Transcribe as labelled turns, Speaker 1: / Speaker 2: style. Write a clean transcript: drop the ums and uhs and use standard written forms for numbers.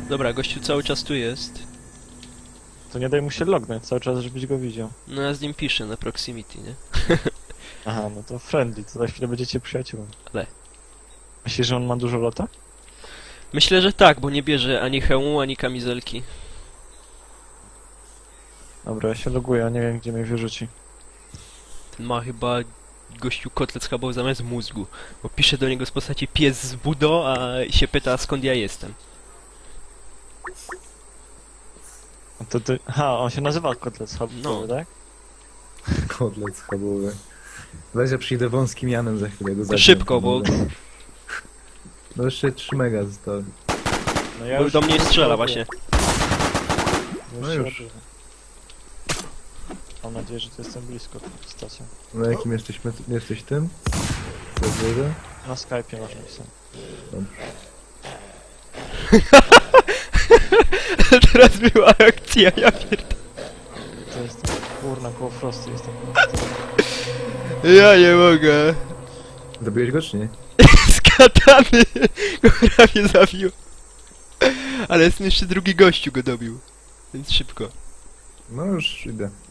Speaker 1: Dobra, gościu cały czas tu jest.
Speaker 2: To nie daj mu się lognąć cały czas, żebyś go widział.
Speaker 1: No ja z nim piszę na proximity, nie?
Speaker 2: Aha, no to friendly, to za chwilę będziecie przyjaciółmi.
Speaker 1: Ale.
Speaker 2: Myślisz, że on ma dużo lota?
Speaker 1: Myślę, że tak, bo nie bierze ani hełmu, ani kamizelki.
Speaker 2: Dobra, ja się loguję, a nie wiem, gdzie mnie wyrzuci.
Speaker 1: Ten ma chyba gościu kotlet schabowy zamiast mózgu. Bo pisze do niego z postaci pies z budo, a się pyta skąd ja jestem.
Speaker 2: A to ty... Aha, on się nazywa kotlet schabowy,
Speaker 1: No.
Speaker 2: tak?
Speaker 3: Kotlet schabowy. Weź, ja przyjdę wąskim Janem za chwilę go
Speaker 1: To
Speaker 3: zagram.
Speaker 1: szybko, bo,
Speaker 3: No jeszcze 3 mega zostały.
Speaker 2: No ja
Speaker 1: bo do mnie strzela
Speaker 2: loguję.
Speaker 1: właśnie.
Speaker 3: No
Speaker 2: się
Speaker 3: już.
Speaker 2: loguję. Mam nadzieję, że to jestem blisko tą stacją.
Speaker 3: Na jakim jesteś tym? Serwerze?
Speaker 2: Na Skype'ie masz napisane.
Speaker 1: Teraz była akcja, ja pierdolę.
Speaker 2: To jest tam, kurna, koło Frosty jestem.
Speaker 1: Ja nie mogę.
Speaker 3: Zabiłeś go czy nie?
Speaker 1: Z katany go prawie zabił. Ale jest jeszcze drugi gościu go dobił. Więc szybko.
Speaker 3: No już idę.